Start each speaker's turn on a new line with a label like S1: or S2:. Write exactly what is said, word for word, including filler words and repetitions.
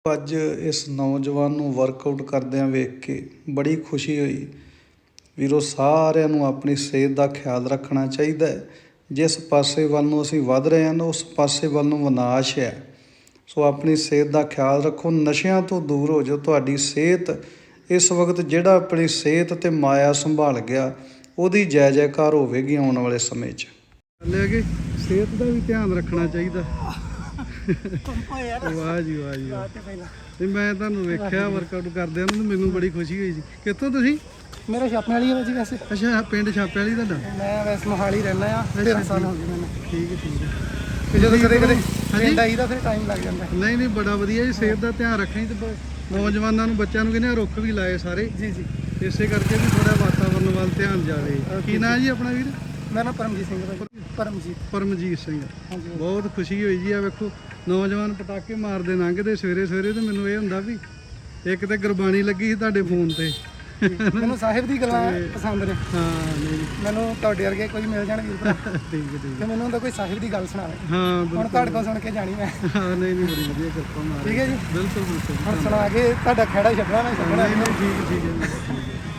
S1: ਅੱਜ ਇਸ ਨੌਜਵਾਨ ਨੂੰ ਵਰਕਆਊਟ ਕਰਦਿਆਂ ਵੇਖ ਕੇ ਬੜੀ ਖੁਸ਼ੀ ਹੋਈ। ਵੀਰੋ, ਸਾਰਿਆਂ ਨੂੰ ਆਪਣੀ ਸਿਹਤ ਦਾ ਖਿਆਲ ਰੱਖਣਾ ਚਾਹੀਦਾ ਹੈ। ਜਿਸ ਪਾਸੇ ਵੱਲ ਨੂੰ ਅਸੀਂ ਵੱਧ ਰਹੇ ਹਾਂ ਨਾ, ਉਸ ਪਾਸੇ ਵੱਲ ਨੂੰ ਵਿਨਾਸ਼ ਹੈ। ਸੋ ਆਪਣੀ ਸਿਹਤ ਦਾ ਖਿਆਲ ਰੱਖੋ, ਨਸ਼ਿਆਂ ਤੋਂ ਦੂਰ ਹੋ ਜਾਓ। ਤੁਹਾਡੀ ਸਿਹਤ ਇਸ ਵਕਤ ਜਿਹੜਾ ਆਪਣੀ ਸਿਹਤ ਅਤੇ ਮਾਇਆ ਸੰਭਾਲ ਗਿਆ, ਉਹਦੀ ਜੈ ਜੈਕਾਰ ਹੋਵੇਗੀ ਆਉਣ ਵਾਲੇ ਸਮੇਂ 'ਚ। ਲੈ ਕੇ ਸਿਹਤ ਦਾ ਵੀ ਧਿਆਨ ਰੱਖਣਾ ਚਾਹੀਦਾ। ਵਾਹ ਜੀ ਵਾਹ ਜੀ ਵਾਹ। ਤੇ ਮੈਂ ਤੁਹਾਨੂੰ ਵੇਖਿਆ ਵਰਕਆਊਟ ਕਰਦਿਆਂ ਨੂੰ, ਮੈਨੂੰ ਬੜੀ ਖੁਸ਼ੀ ਹੋਈ ਸੀ। ਕਿੱਥੋਂ ਤੁਸੀਂ?
S2: ਮੇਰਾ ਛਾਪੇ ਵਾਲੀ ਹੈ ਜੀ ਵੈਸੇ।
S1: ਅੱਛਾ, ਪਿੰਡ ਛਾਪੇ ਵਾਲੀ ਤੁਹਾਡਾ?
S2: ਮੈਂ ਵੈਸੇ ਮੋਹਾਲੀ ਰਹਿੰਦਾ ਆ, ਤੇਰਾਂ ਸਾਲ ਹੋ ਗਏ ਮੈਨੂੰ।
S1: ਠੀਕ ਹੈ ਠੀਕ ਹੈ।
S2: ਤੇ ਜਦੋਂ ਕਦੇ ਕਦੇ ਪਿੰਡ ਆਈਦਾ ਫਿਰ ਟਾਈਮ ਲੱਗ ਜਾਂਦਾ।
S1: ਨਹੀਂ ਨਹੀਂ, ਬੜਾ ਵਧੀਆ ਜੀ। ਸਿਹਤ ਦਾ ਧਿਆਨ ਰੱਖਣੀ ਤੇ ਨੌਜਵਾਨਾਂ ਨੂੰ, ਬੱਚਿਆਂ ਨੂੰ ਕਹਿੰਦੇ ਰੁੱਖ ਵੀ ਲਾਏ ਸਾਰੇ। ਜੀ ਜੀ। ਇਸੇ ਕਰਕੇ ਵੀ ਥੋੜਾ ਵਾਤਾਵਰਨ ਵੱਲ ਧਿਆਨ ਜਾਵੇ। ਕੀ ਨਾਂ ਜੀ ਆਪਣਾ ਵੀਰ? ਮੇਰਾ ਨਾਮ ਪਰਮਜੀਤ ਸਿੰਘ ਹੈ। ਪਰਮਜੀਤ ਪਰਮਜੀਤ ਸਿੰਘ। ਬਹੁਤ ਖੁਸ਼ੀ ਹੋਈ ਜੀ। ਆ ਵੇਖੋ, ਨੌਜਵਾਨ ਪਟਾਕੇ ਮਾਰਦੇ ਲੰਘਦੇ ਸਵੇਰੇ ਸਵੇਰੇ, ਤੇ ਮੈਨੂੰ ਇਹ ਹੁੰਦਾ ਵੀ ਇੱਕ ਤੇ ਗੁਰਬਾਣੀ ਲੱਗੀ ਸੀ ਤੁਹਾਡੇ ਫੋਨ ਤੇ।
S2: ਮੈਨੂੰ ਸਾਹਿਬ ਦੀ ਗੱਲਾਂ ਪਸੰਦ ਨੇ।
S1: ਹਾਂ, ਨਹੀਂ
S2: ਮੈਨੂੰ ਤੁਹਾਡੇ ਵਰਗੇ ਕੋਈ ਮਿਲ ਜਾਣ ਵੀਰ ਭਰਾ।
S1: ਠੀਕ ਹੈ ਠੀਕ ਹੈ।
S2: ਤੇ ਮੈਨੂੰ ਹੁੰਦਾ ਕੋਈ ਸਾਹਿਬ ਦੀ ਗੱਲ ਸੁਣਾਵੇ।
S1: ਹਾਂ,
S2: ਹੁਣ ਤੁਹਾਡੇ ਕੋਲ ਸੁਣ ਕੇ ਜਾਣੀ ਮੈਂ।
S1: ਹਾਂ, ਨਹੀਂ ਨਹੀਂ, ਬੜੀ ਵਧੀਆ ਕਿਰਪਾ ਮਾਰ।
S2: ਠੀਕ ਹੈ ਜੀ,
S1: ਬਿਲਕੁਲ ਬਿਲਕੁਲ।
S2: ਹੁਣ ਸੁਣਾ ਕੇ ਤੁਹਾਡਾ ਖਹਿੜਾ ਛੱਡਣਾ ਮੈਂ ਛੱਡਣਾ।
S1: ਨਹੀਂ ਨਹੀਂ, ਠੀਕ ਠੀਕ ਹੈ ਜੀ।